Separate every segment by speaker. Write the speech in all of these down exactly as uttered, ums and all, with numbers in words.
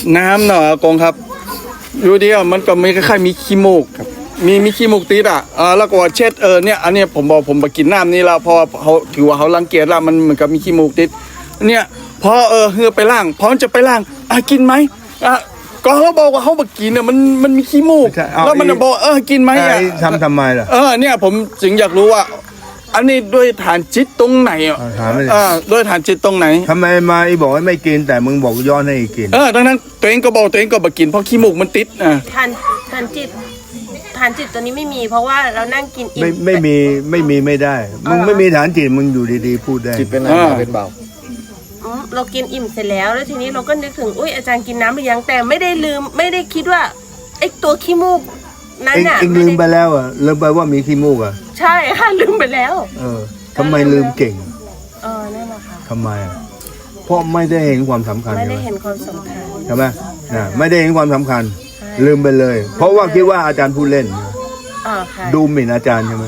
Speaker 1: น้ำเนาะกงครับอยู่เดียวมันก็มีคล้ายๆมีขี้มูกมีมีขี้มูกติดอ่ะเออแล้วก็เช็ดเออเนี่ยอันนี้ผมบอกผมไปกินน้ำนี่แล้วเพราะเขาถือว่าเขารังเกียจแล้วมันเหมือนกับมีขี้มูกติดเนี่ยพอเออเฮือไปล่างพร้อมจะไปล่างอ่ะกินไหมอ่ะก็เขาบอกว่าเขาบอกกินเนี่ยมันมันมีขี้มูกแล้วมันบอกเออกินไหมอ่ะ
Speaker 2: ทำทำไมล่ะ
Speaker 1: เออเนี่ยผมจึงอยากรู้ว่าอันนี้ด้วยฐานจิตตรงไหนอ่ะอ่าด้วยฐานจิตตรงไหน
Speaker 2: ทำไมมาอีบอกว่าไม่กินแต่มึงบอกย้อนให้กิน
Speaker 1: เออดังนั้นตัวเองก็บอกตัวเองก็บอกกินเพราะขี้มูกมันติดอ่ะ
Speaker 3: ฐานฐานจิตฐานจิตตัวนี้ไม่มีเพราะว่าเรานั่งกินอิ่ม
Speaker 2: ไม่ไม่มีไม่มีไม่ได้มึงไม่มีฐานจิตมึงอยู่ดีๆพูดได้
Speaker 4: จิตเป็นอะไรเป็นเบา
Speaker 3: เรากินอิ่มเสร็จแล้วแล้วทีนี้เราก็นึกถึงอุ้ยอาจารย์กินน้ำหรือยังแต่ไม่ได้ลืมไม่ได้คิดว่าไอ้ตัวขี้มูกนั่นน่ะ
Speaker 2: เองลืมไปแล้วอ่ะลืมไปว่ามีขี้มูกอ่ะ
Speaker 3: ใช่ค่ะลืมไปแล้ว
Speaker 2: เออทำไมลืมเก่ง
Speaker 3: เออนั่นแหละค่ะ
Speaker 2: ทำไมอ่ะเพราะไม่ได้เห็นความสำคัญ
Speaker 3: ไม่ได้เห็นความสำคัญ
Speaker 2: ใช่ไหมนะไม่ได้เห็นความสำคัญลืมไปเลยเพราะว่าคิดว่าอาจารย์พูดเล่นดูหมิ่นอาจารย์ใช่ไหม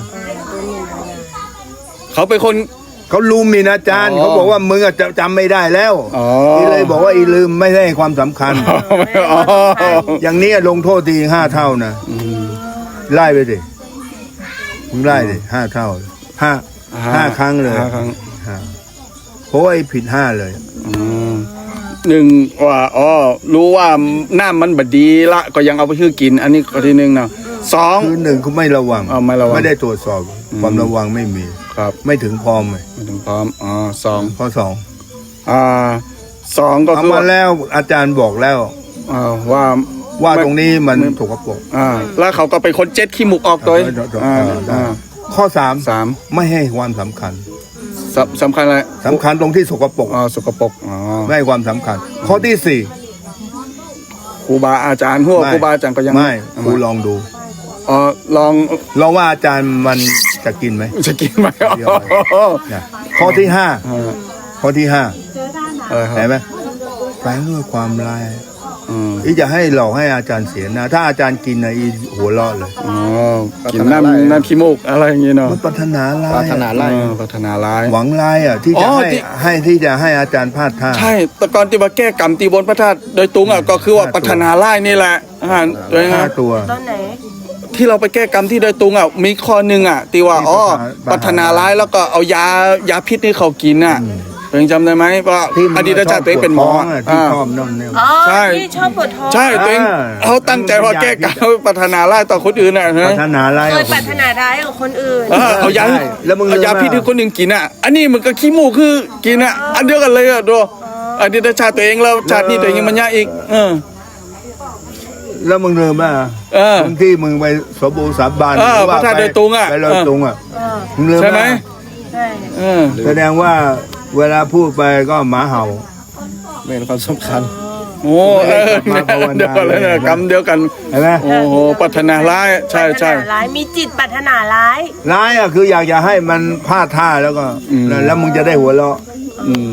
Speaker 1: เขาเป็นคน
Speaker 2: เขาลืมหมิ่นอาจารย์เขาบอกว่ามึงจะจำไม่ได้แล้วอีเลยบอกว่าอีลืมไม่ได้ความสำคัญอย่างนี้ลงโทษทีห้าเท่านะไล่ไปดิมึงไล่ดิห้าเท่าห้าห้าครั้งเลยเพราะว่าไอ้ผิดห้าเลย
Speaker 1: หนึ่งว่าอ๋อรู้ว่าน้ำมันบดีละก็ยังเอาไปชื่อกินอันนี้ก็ทีหนึ่งเนาะสอง
Speaker 2: คือหนึ่งเขาไม่ระวัง
Speaker 1: ไม่ระวัง
Speaker 2: ไม่ได้ตรวจสอบความระวังไม่มี
Speaker 1: ครับ
Speaker 2: ไม่ถึงพร้อมเลย
Speaker 1: ไม่ถึงพร้อมอ๋อสอง
Speaker 2: ข้อสอง
Speaker 1: อ่าสองก็คือ
Speaker 2: มาแล้วอาจารย์บอกแล้ว
Speaker 1: ว่า
Speaker 2: ว่าตรงนี้มันสกปรก
Speaker 1: อ่าแล้วเขาก็เป็นคนเจ็ดขี้มูกออกตัว
Speaker 2: ข้อสาม
Speaker 1: สาม
Speaker 2: ไม่ให้ความสำคัญ
Speaker 1: สำคัญอะไร
Speaker 2: สำคัญตรงที่สกปรก
Speaker 1: อ๋อสกปรกอ๋อ
Speaker 2: ไม่ให้ความสำคัญข้อที่สี่
Speaker 1: ครูบาอาจารย์หัวครูบาอาจารย์ก็ยัง
Speaker 2: ไม่ครูลองดู
Speaker 1: อ๋อลอง
Speaker 2: ลองว่าอาจารย์มันจะกินไหม
Speaker 1: จะกินไหม
Speaker 2: ข้อที่ห้าข้อที่ห้าเห็นไหมแฝงด้วยความร้ายอีจะให้หลอกให้อาจารย์เสียนะถ้าอาจารย์กินนะอีหัวเราะเลย
Speaker 1: อ๋อกินน้ำน้ำขี้มูกอะไรอย่างเงี้ยเนาะ
Speaker 2: มันปรารถนาร้าย
Speaker 4: ปรารถนาร้าย
Speaker 1: ปรารถนาร้าย
Speaker 2: หวังร้ายอ่ะที่จะให้ให้ที่จะให้อาจารย์พลาดท่า
Speaker 1: ใช่แต่ก่อนที่มาแก้กรรมตีบนพระธาตุโดยตรงอ่ะก็คือว่าปรารถนาร้ายนี่แหละอ่าโดย
Speaker 2: ห้าตัว
Speaker 3: ตอนไหน
Speaker 1: ที่เราไปแก้กรรมที่โดยตรงอ่ะมีข้อหนึ่งอ่ะตีว่าอ๋อปรารถนาร้ายแล้วก็เอายายาพิษให้เขากินอ่ะเองจำได้ไหมว่าอดีตชาติตัวเองเป็นหมอ
Speaker 2: ที่ชอบนั่นเนี่ย
Speaker 1: ใช่
Speaker 3: ที่ชอบปวดท้อง
Speaker 1: ใช่ตัวเองเขาตั้งใจว่าแก้กรรมปรารถนาร้ายต่อคนอื่นน่ะ
Speaker 2: ปรารถนาร้าย
Speaker 3: เคยปรารถนาร้ายกับคนอื่น
Speaker 1: เอายาเอายาพิษให้คนหนึ่งกินอ่ะอันนี้มันก็ขี้มูกคือกินอ่ะอันเดียวกันเลยอ่ะดูอดีตชาติตัวเองแล้วชาตินี้ตัวเองยังมันยากอีกเออ
Speaker 2: แล้วมึงเริ่มอ่ะบางที่มึงไปสบู่สาบาน
Speaker 1: พระธาตุโดยตรงอ่ะ
Speaker 2: ไปโดยตรงอ่ะมึงเริ่ม
Speaker 1: ใช่ไหม
Speaker 3: ใช่
Speaker 2: แสดงว่าเวลาพูดไปก็หมาเห่า
Speaker 4: ไม่เห็นความสำคัญ
Speaker 1: โอ้เออเดียวกันเลยนะกรรมเดียวกัน
Speaker 2: เห็นไหม
Speaker 1: โอ้โหปรารถนาร้ายใช่ใช่
Speaker 3: ร้ายมีจิตปรารถนาร้าย
Speaker 2: ร้ายอ่ะคืออยากจะให้มันพลาดท่าแล้วก็แล้วมึงจะได้หัวเราะ
Speaker 1: อืม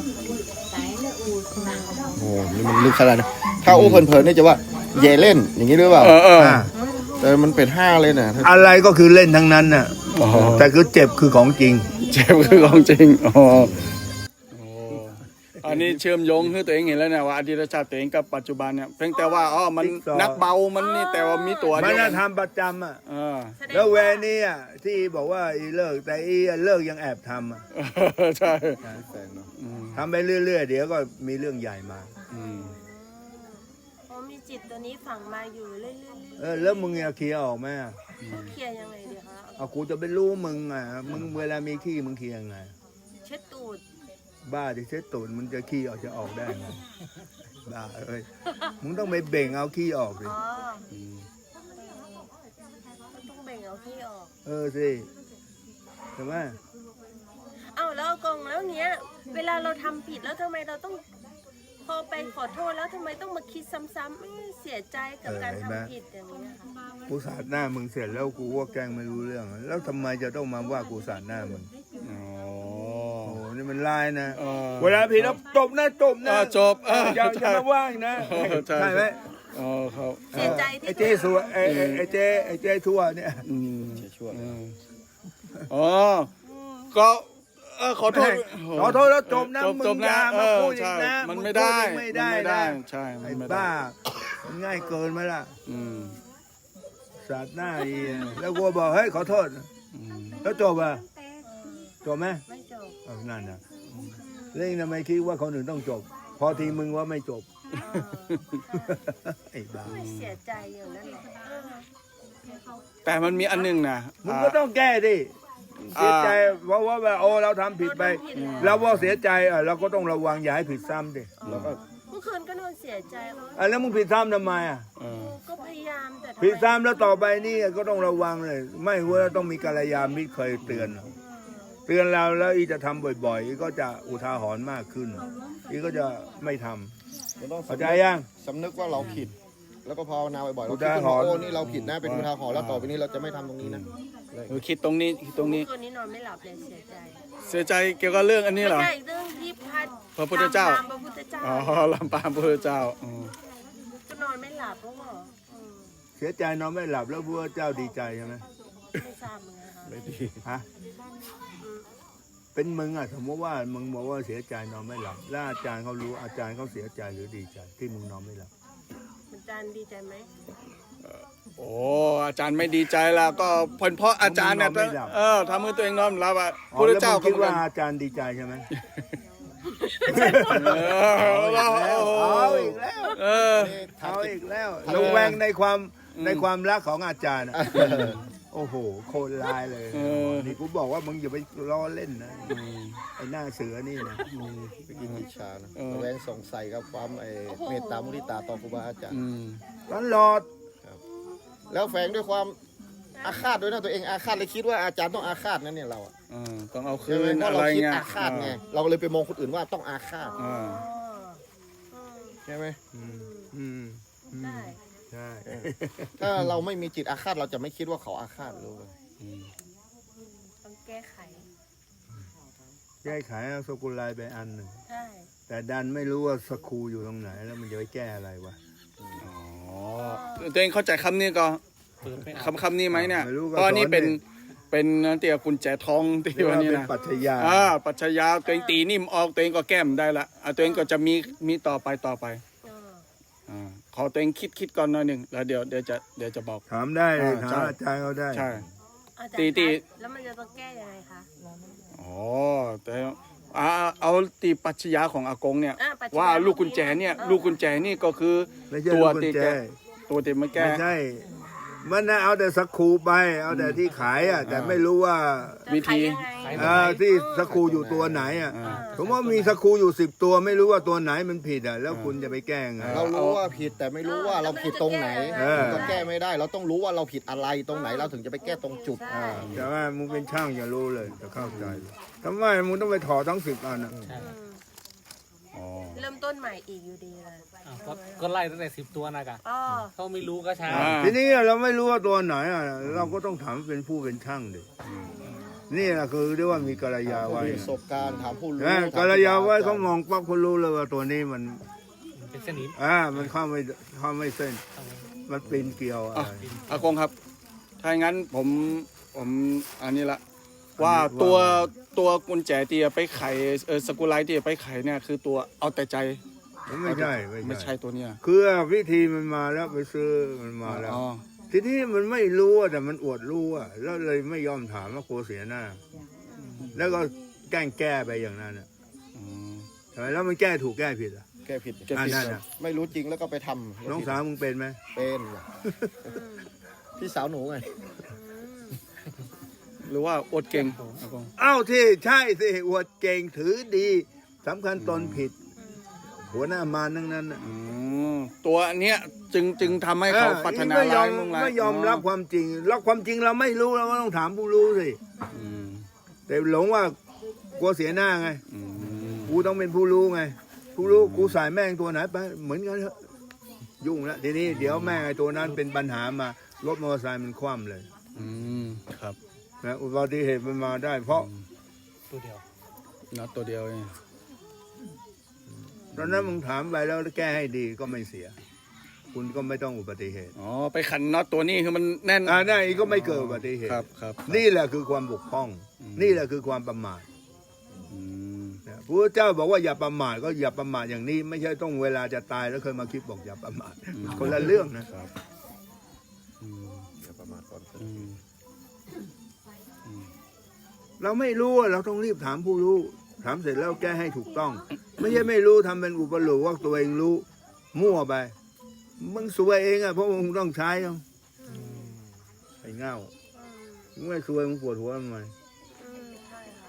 Speaker 4: โอ้นี่มันลึกขนาดนั้นถ้าอู้เพลินๆนี่จะว่าเย่เล่นอย่างนี้หรือเปล่าแต่มันเป็นห้าเลยนะ
Speaker 2: อะไรก็คือเล่นทั้งนั้นน่ะแต่คือเจ็บคือของจริง
Speaker 1: เจ็บคือของจริงอ๋ออันนี้เชื่อมโยงคือตัวเองเห็นแล้วเนี่ยว่าอดีตชาติตัวเองกับปัจจุบันเนี่ยเพียงแต่ว่าอ๋อมันนักเบามันนี่แต่ว่ามีตัว
Speaker 2: มันทำประจำอ่ะแล้วแวนี่อ่ะที่บอกว่าอีเลิกแต่อีเลิกยังแอบทำอ่ะ
Speaker 1: ใช่
Speaker 2: ทำไปเรื่อยๆเดี๋ยวก็มีเรื่องใหญ่มา
Speaker 3: มีจิตตัวนี้ฝังมาอยู่เรื่อยๆ
Speaker 2: เออแล้วมึงจะเคลียร์ออกไหม
Speaker 3: เคลียร์ยังไงดีคะ
Speaker 2: เอากูจะไปรู้มึงอ่ะมึงเวลามีขี้มึงเคลียร์ยังไง
Speaker 3: เช็ดตูด
Speaker 2: บ้าดิเช็ดตูดมึงจะขี้ออกจะออกได้ไงบ้าเอ้ยมึงต้องไปเบ่งเอาขี้ออกดิ
Speaker 3: ต้องเบ่งเอาขี้ออก
Speaker 2: เออสิใช่ไหม
Speaker 3: เอ้าแล้วกงแล้วเนี้ยเวลาเราทำผิดแล้วทำไมเราต้องพอไปขอโทษแล้วทำไมต้องมาคิดซ้ำๆเสียใจกับการทำผิดอย่างนี้ค่ะ
Speaker 2: กูสาดหน้ามึงเสร็จแล้วกูว่าแกล้งไม่รู้เรื่องแล้วทำไมจะต้องมาว่ากูสาดหน้ามึงอ๋อนี่มันลายนะเวลาผิดแล้วจบนะจบนะ
Speaker 1: จบ
Speaker 2: อย่าจะมาว่างนะใช่ไหม
Speaker 1: อ๋อครับ
Speaker 3: เสียใจที่
Speaker 2: ไอ้เจ๊สัวไอ้ไอ้เจ๊ไอ้เจ๊ชั่วเนี่ย
Speaker 1: อ๋อก็เออขอโทษ
Speaker 2: ขอโทษแล้วจบนะ
Speaker 1: จบ
Speaker 2: มึ
Speaker 1: จ
Speaker 2: ง
Speaker 1: บ
Speaker 2: อย่า
Speaker 1: นะ
Speaker 2: มา
Speaker 1: เออ
Speaker 2: พูดอี
Speaker 1: ใช่
Speaker 2: กนะ
Speaker 1: มัน
Speaker 2: ง
Speaker 1: ไม่ได้
Speaker 2: พูอีกไม่ได้
Speaker 1: มันไม่ได้
Speaker 2: นะ
Speaker 1: ใช่
Speaker 2: ไอ้
Speaker 1: มันไม่ได้
Speaker 2: บ้ามันง่ายเกินไหมล่ะ
Speaker 1: อืม
Speaker 2: สาดหน้าอีกแล้วกูบอกเฮ้ยขอโทษ
Speaker 1: อืม
Speaker 2: แล้วจบอ่ะจบไหม
Speaker 3: ไม่จบ
Speaker 2: เออนั่นนะแล้วทำไมคิดว่าคนอื่นต้องจบ พอทีมึงว่าไม่จบ
Speaker 3: เออ
Speaker 2: ไอ้บ้า
Speaker 3: ไม่เสียใจอย่างนั้นแหละเออ
Speaker 1: แต่มันมีอันหนึงนะ
Speaker 2: มึงก็ต้องแก้ดิเสียใจเพราะว่าแบบโอ้เราทำผิดไป เราว่าเสียใจอ่ะเราก็ต้องระวังอย่าให้ผิดซ้ำดิเราก็
Speaker 3: เมื่อคืนก็นอนเสียใจว่า
Speaker 2: อ่ะแล้วมึงผิดซ้ำทำไมอ่ะ
Speaker 1: เออ
Speaker 3: ก็พยายามแต่ทำไม
Speaker 2: ผิดซ้ำแล้วต่อไปนี่ก็ต้องระวังเลย ไม่ว่าต้องมีกัลยาณมิตรเคยเตือน เตือนเราแล้วอีจะทำบ่อยๆอีก็จะอุทาหรณ์มากขึ้น อีก็จะไม่ทำ
Speaker 4: มันต้อง
Speaker 2: เข้าใจยัง
Speaker 4: สำนึกว่าเราผิด แล้วก็ภาวนาบ่อยๆเรา
Speaker 2: อุ
Speaker 4: คิด
Speaker 2: ทา
Speaker 4: ขึ้น
Speaker 2: ห
Speaker 4: มาร
Speaker 2: ณ์
Speaker 4: โอ้นี่เราผิดนะเป็นอุทาหรณ์แล้วต่อไปนี้เราจะไม่ทำตรงนี้นะ
Speaker 1: เออคิดตรงนี้คิดตรงนี้
Speaker 3: คืนนี้นอนไม่หลับเลยเสียใจ
Speaker 1: เสียใจเกี่ยวกับเรื่องอันนี้
Speaker 3: ไม่
Speaker 1: เหรอ
Speaker 3: ใช่เรื่องที่พัด
Speaker 1: พระพุทธเจ้า
Speaker 3: ตมพระพุทธเจ้า
Speaker 1: อ๋อลำปางพระพุทธเจ้าอ๋อ
Speaker 3: ก็นอนไม่หลับเพราะว่าอืม
Speaker 2: เสียใจนอนไม่หลับแล้วพระเจ้าดีใจใช่ไหม
Speaker 3: ไม่ทราบเหมือนกันค่ะ
Speaker 1: ไม่ดี
Speaker 2: ฮะเป็นมึงอ่ะสมมติว่ามึงบอกว่าเสียใจนอนไม่หลับแล้วอาจารย์เขารู้อาจารย์เขาเสียใจหรือดีใจ ที่มึงนอนไม่หลับ
Speaker 3: อาจารย์ดีใจไหม
Speaker 1: โอ้อาจารย์ไม่ดีใจแล้วก็เพนเพราะอาจารย์เนี่ยเออทำให้ตัวเองนอนหลับอ่ะพระพุทธเจ้า
Speaker 2: อ๋อแล้วมึง
Speaker 1: ก็
Speaker 2: คิด
Speaker 1: เหมือน
Speaker 2: ว่า
Speaker 1: กัน
Speaker 2: อาจารย์ดีใจใช่ไหม
Speaker 1: เออเรา
Speaker 2: เอาอีกแล้ว
Speaker 1: เออ
Speaker 2: เอาอีกแล้วระแวงในความในความรักของอาจารย์อะโอ้โหโคตรลายเลย
Speaker 1: เออ
Speaker 2: นี่กูบอกว่ามึงอย่าไปล้อเล่นนะไอ้หน้าเสือนี่นะ
Speaker 4: ไปกินอิจฉานะระแวงสงสัยกับความไอ้เมตตามุทิตาต่อครูบาอาจารย์
Speaker 1: อืม
Speaker 2: ตลอด
Speaker 4: แล้วแฝงด้วยความอาฆาตด้วยนะตัวเองอาฆาตเลยคิดว่าอาจารย์ต้องอาฆาตนั่นเนี่ยเราอะ
Speaker 1: เออต้องเอาคื
Speaker 4: ใช่ไหม
Speaker 1: น
Speaker 4: เพราะ
Speaker 1: อะ
Speaker 4: เรา
Speaker 1: ไร
Speaker 4: คิด
Speaker 1: เงี้ย
Speaker 4: อาฆาตไงเราก็เลยไปมองคนอื่นว่าต้องอาฆาต
Speaker 1: อ่า
Speaker 3: อ๋อ
Speaker 4: ใช่ไหม
Speaker 2: อืมอืม
Speaker 3: อืมได้
Speaker 2: ใช่
Speaker 4: ถ้าเราไม่มีจิตอาฆาตเราจะไม่คิดว่าเขาอาฆาตรู้ไหม
Speaker 1: อืม
Speaker 3: ต้องแก้ไข
Speaker 2: แก้ไขเอาสกุลลายไปอันหนึ่ง
Speaker 3: ใช่
Speaker 2: แต่ดันไม่รู้ว่าสกรูอยู่ตรงไหนแล้วมันจะไปแก้อะไรวะ
Speaker 1: อ๋อตัวเองเข้าใจคำนี้ก็คำคำนี้ไหมเนี่ย
Speaker 2: ไม่รู้ก็
Speaker 1: ตอนนี้
Speaker 2: สอนดิ
Speaker 1: เป็นเป็นเตี่ยกุญแจทองที่
Speaker 2: เรียก
Speaker 1: วัน
Speaker 2: ว่า
Speaker 1: นี้
Speaker 2: เป็น
Speaker 1: นะ
Speaker 2: ปรัชญา
Speaker 1: อ่าปัจจยาตัวเองตีนิ่มออกตัวเองก็แก้มได้ละอ่ะตัวเองก็จะมีมีต่อไปต่อไป
Speaker 3: เออ
Speaker 1: อ่าขอตัวเองคิดคิดก่อนหน่อยหนึ่งแล้วเดี๋ยวเดี๋ยวจะเดี๋ยวจะบอก
Speaker 2: ถามได้เลย
Speaker 1: อ่า
Speaker 2: ถาม
Speaker 1: ใช่
Speaker 2: อาจารย์เขาได้
Speaker 1: ใช่
Speaker 3: อาจารย์
Speaker 1: ตีตี
Speaker 3: คะแล้วมันจะต้องแก้ยังไงคะ
Speaker 1: อ๋อแต่อ่าเอาตีปัจจยาของอากงเนี่ย
Speaker 3: อ่ะปัจจญ
Speaker 1: ว่าลูกกุญแจเนี่ย
Speaker 3: เออ
Speaker 1: ลูกกุญแจนี่ก็คือ
Speaker 2: ไม่ใช่
Speaker 1: ตัว
Speaker 2: ลูกกุญ
Speaker 1: ตี
Speaker 2: แจ
Speaker 1: แกตัวตีมาแก้
Speaker 2: ไม่ใช่ มันนะเอาแต่สกรูไป เอาแต่ที่ขายอ่ะ แต่ไม่รู้ว่า
Speaker 3: จะ
Speaker 1: วิธี
Speaker 3: ขายยังไง
Speaker 2: อ่าที่สกรูอยู่ตัวไหนอ่ะ
Speaker 1: อ่า
Speaker 2: ผมว่ามีสกรูอยู่สิบตัวไม่รู้ว่าตัวไหนมันผิดอ่ะ แล้วคุณจะไปแก้ไง
Speaker 4: เรารู้ว่าผิดแต่ไม่รู้ว่าเราผิดตรงไหน
Speaker 2: เออ
Speaker 4: ก็แก้ไม่ได้ เราต้องรู้ว่าเราผิดอะไรตรงไหนเราถึงจะไปแก้ตรงจุด
Speaker 3: ใช่
Speaker 2: แต่ว่ามึงเป็นช่างอย่ารู้เลยจะเข้าใจเลยทำไมมึงต้องไปถอดทั้งสิบอันอ่ะ
Speaker 3: อืม
Speaker 1: อ๋อ
Speaker 3: เริ่มต้นใหม่อีกอยู่ดีเลย
Speaker 5: อ้าวก็ก็ไล่ตั้งแต่สิบตัวนะกะ
Speaker 3: อ๋อ
Speaker 5: เขาไม่รู้ก็ช้า
Speaker 1: อ่า
Speaker 2: ทีนี้เราไม่รู้ว่าตัวไหนอ่ะ เราก็ต้องถามเป็นผู้เป็นช่างดินี่แหละคือเรียกว่ามีกัลยา
Speaker 4: ผู้
Speaker 2: ไว้
Speaker 4: มีประสบการณ์ถามผู้รู้
Speaker 2: นะ
Speaker 4: ถม
Speaker 2: กัลยาไว้เขา
Speaker 4: ผู้
Speaker 2: มองปั๊บเขารู้เลยว่าตัวนี้มัน
Speaker 5: เป็นสนิม
Speaker 2: อ่า มันเข้าไม่เข้าไม่เส้น มันปีนเกลียวอะ
Speaker 1: อ่ะ
Speaker 2: ไร
Speaker 1: อากงครับ ถ้าอย่างนั้นผมผมอันนี้ละ
Speaker 2: อันนี้
Speaker 1: ว่า
Speaker 2: ว่า
Speaker 1: ตัวตัวกุญแจที่จะไปไขเออสกุลไลท์ที่จะไปไขเนี่ยคือตัวเอาแต่ใจ
Speaker 2: ไม่ใช่
Speaker 1: ไม่
Speaker 2: ไม่
Speaker 1: ใช่
Speaker 2: ใช่
Speaker 1: ตัวเนี้ย
Speaker 2: คือวิธีมันมาแล้วไปซื้อมันมาแล้ว
Speaker 1: อ๋อ
Speaker 2: ทีนี้มันไม่รู้อะแต่มันอวดรู้อะแล้วเลยไม่ยอมถามว่ากลัวเสียหน้า แล้วก็แกล้งแก้ไปอย่างนั้นอะ
Speaker 1: อืม
Speaker 2: ทำไมแล้วมันแก้ถูกแก้ผิดอะ
Speaker 4: แก้ผิด
Speaker 1: แก้ผิด
Speaker 2: อ่านั่นอะ
Speaker 4: ไม่รู้จริงแล้วก็ไปทำ
Speaker 2: น้องสาวมึงเป็นไหม
Speaker 4: เป็นพี่สาวหนูไง
Speaker 1: หรือว่าอดเก่งอากง
Speaker 2: อ้าวที่ใช่สิอวดเก่งถือดีสำคัญตนผิด หัวหน้ามารทั้งนั้นน่ะ
Speaker 1: อืมตัวเนี้ยจึงจึงทำให้เขาพัฒนา
Speaker 2: ไม่ยอ
Speaker 1: ลาย
Speaker 2: ม
Speaker 1: มุ่งลาย
Speaker 2: ไม่ยอมรับความจริงรับความจริงเราไม่รู้เราก็ต้องถามผู้รู้สิ
Speaker 1: อืม
Speaker 2: แต่หลงว่ากลัวเสียหน้าไง
Speaker 1: อืม
Speaker 2: กูต้องเป็นผู้รู้ไง ผู้รู้กูสายแม่งตัวไหนไปเหมือนกันเถอะยุ่งแล้วทีนี้เดี๋ยวแม่งไอ้ตัวนั้นเป็นปัญหามารถมอเตอร์ไซค์มันคว่ำเลย
Speaker 1: อืมครับ
Speaker 2: นะอุบัติเหตุมันมาได้ เพราะ
Speaker 5: ตัวเดียว
Speaker 1: น็อตตัวเดียวเอง
Speaker 2: ตอนนั้นมึงถามไปแล้วแก้ให้ดีก็ไม่เสีย คุณก็ไม่ต้องอุบัติเหตุ
Speaker 1: อ๋อไปขันน็อตตัวนี้คือมันแน่น
Speaker 2: อ่านั่นอีกก็ไม่เกิดอุบัติเหตุ
Speaker 1: ครับครับ
Speaker 2: นี่แหละคือความบกพร่อง
Speaker 1: อืม
Speaker 2: นี่แหละคือความประมาท
Speaker 1: อ
Speaker 2: พระเจ้าบอกว่าอย่าประมาทก็อย่าประมาทอย่างนี้ ไม่ใช่ต้องเวลาจะตายแล้วเคยมาคิดบอกอย่าประมาทคนละเรื่องนะ
Speaker 1: อืม
Speaker 4: อย่าประมาทก่อน
Speaker 1: อืมอืม
Speaker 2: เราไม่รู้อะเราต้องรีบถามผู้รู้ ถามเสร็จแล้วแก้ให้ถูกต้อง ไม่ใช่ไม่รู้ทำเป็นอุปโลกว่าตัวเองรู้มั่วไปมึงสวยเองอะเพราะมึงต้องใช้เอาไอ้เง่ามึงไม่สวยมึงปวดหัวทำไม
Speaker 3: อืมใช่ค่ะ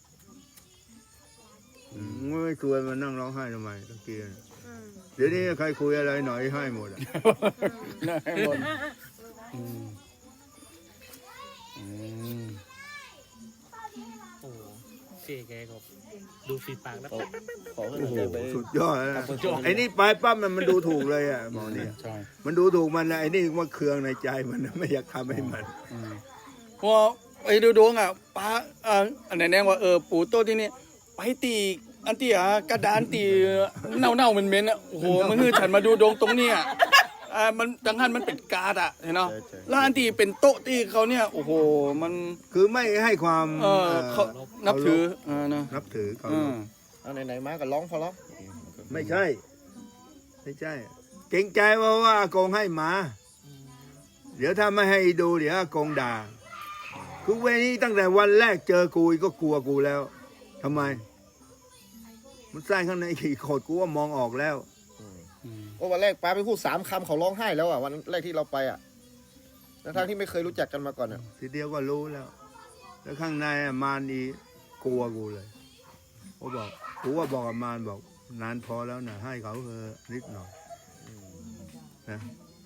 Speaker 2: มึงไม่สวยมานั่งร้องไห้ทำไมตะเกียบ
Speaker 3: อืม
Speaker 2: เดี๋ยวนี้ใครคุยอะไรหน่อยให้หมดอะ
Speaker 1: ได้หมดอืมอืม
Speaker 5: โอ้เจ๊แกก็ดูฝีปากแล้ว
Speaker 4: ขอขอให้
Speaker 2: โอ้โห
Speaker 4: ไป
Speaker 2: สุดยอดนะ
Speaker 4: สุดยอด
Speaker 2: ไอ้นี่ไปปั๊บมันมันดูถูกเลยอะหมอเนี่ย
Speaker 1: ใช่
Speaker 2: มันดูถูกมันนะไอ้นี่ว่าเคืองในใจมันนะไม่อยากทำให้มัน
Speaker 1: อืมเพราะไอ้ดูดวงอ่ะป้าอ่าอันไหนแน่ว่าเออปู่โตที่นี่ไปตีอันที่อ่ะกระดานตีเน่าเน่าๆเหม็นๆอ่ะโอ้โหมันคือฉันมาดูดวงตรงเนี้ยอ่ามันดังนั้นมันเป็นการ์ดอ่ะเห็นเนาะแล้วอันที่เป็นโต๊ะที่เขาเนี่ยโอ้โหมัน
Speaker 2: คือไม่ให้ความ
Speaker 1: เออเขานับถือเออนะ
Speaker 2: นับถือเขา
Speaker 1: อืม
Speaker 4: เอาไหนๆมาก็ร้องพอร้อง
Speaker 2: ไม่ใช่ ไม่ใช่ เกรงใจว่าว่าอากงให้มา เดี๋ยวถ้าไม่ให้ดูเดี๋ยวอากงด่าคือเวรนี้ตั้งแต่วันแรกเจอกูก็กลัวกูแล้วทำไม มันใส่ข้างในขี่โคตรกูว่ามองออกแล้ว
Speaker 1: อืม
Speaker 4: โอ้วันแรกป้าไปพูดสามคำเขาร้องไห้แล้วอ่ะวันแรกที่เราไปอ่ะทั้งที่ไม่เคยรู้จักกันมาก่อนอ่ะ
Speaker 2: ทีเดียวก็รู้แล้ว แล้วข้างในอะมารดีกลัวกูเลยเขาบอกกูว่าบอกกับมารบอกนานพอแล้วนะให้เขาเถอะนิดหน่อยนะ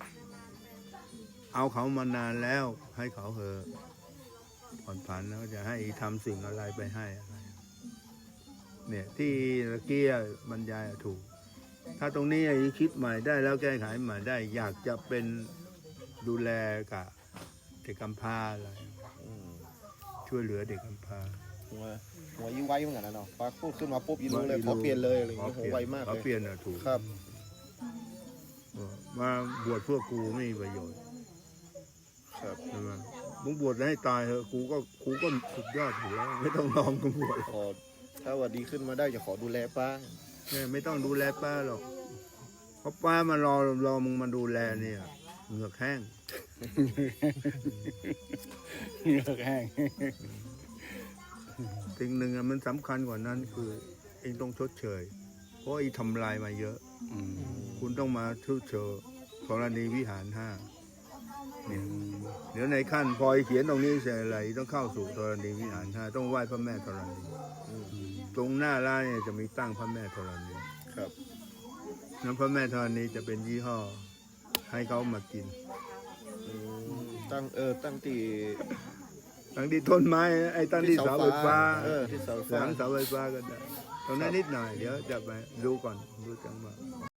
Speaker 2: เอาเขามานานแล้ว ให้เขาเถอะผ่อนผันแล้วจะให้ทำสิ่งอะไรไปให้อะไรเนี่ย ที่ตะเกียบรรยายอะถูก ถ้าตรงนี้ไอ้คิดใหม่ได้แล้วแก้ไขใหม่ได้ อยากจะเป็นดูแลกับเด็กกำพร้าอะไร
Speaker 4: อืม
Speaker 2: ช่วยเหลือเด็กกำพร้า
Speaker 4: หัวหัวยิ้วไวเหมือนกันนะเนาะป้าพูดขึ้นมาปุ๊บยิ้มรู้เลยขอเปลี่ยนเลยอะไรอย่างเงี้ยโหไวมาก
Speaker 2: ขอ
Speaker 4: เลย
Speaker 2: เปลี่ยนอะถูก
Speaker 4: ครับ
Speaker 2: มาบวชพวกกูไม่มีประโยชน์
Speaker 4: ครับ
Speaker 2: ใช่ไหมมึงบวชให้ตายเถอะกูก็กูก็สุดยอดอยู่แล้วไม่ต้องลองกูบวช
Speaker 4: ขอถ้าว่าดีขึ้นมาได้จะขอดูแลป้า
Speaker 2: เนี่ยไม่ต้องดูแลป้าหรอกเพราะป้ามารอรอมึงมาดูแลเนี่ยเหงือกแห้ง
Speaker 1: เหงือกแห้ง
Speaker 2: สิ่งหนึ่งอะมันสำคัญกว่านั้นคือเองต้องชดเชย เพราะไอ้ทำลายมาเยอะ
Speaker 1: อืม
Speaker 2: คุณต้องมาชดเชยธรณีวิหารห้าเนี่ยเดี๋ยวในขั้นพอไอ้เขียนตรงนี้เสร็จอะไรต้องเข้าสู่ธรณีวิหารห้าต้องไหว้พระแม่ธรณีตรงหน้าร้านเนี่ยจะมีตั้งพระแม่ธรณี
Speaker 4: ครับ
Speaker 2: น้ำพระแม่ธรณีจะเป็นยี่ห้อ ให้เขามากิน
Speaker 4: อืมตั้งเออตั้งตี
Speaker 2: ตั้งที่ต้นไม้ไอ้ตั้งที่เสาไฟฟ้า
Speaker 4: เออที่เสาไฟ
Speaker 2: ห
Speaker 4: ฟ้า
Speaker 2: ลังเสาไฟฟ้าก็ได้ตรงนั้นนิดหน่อยเดี๋ยวจะไปดูก่อนดูจังหวะ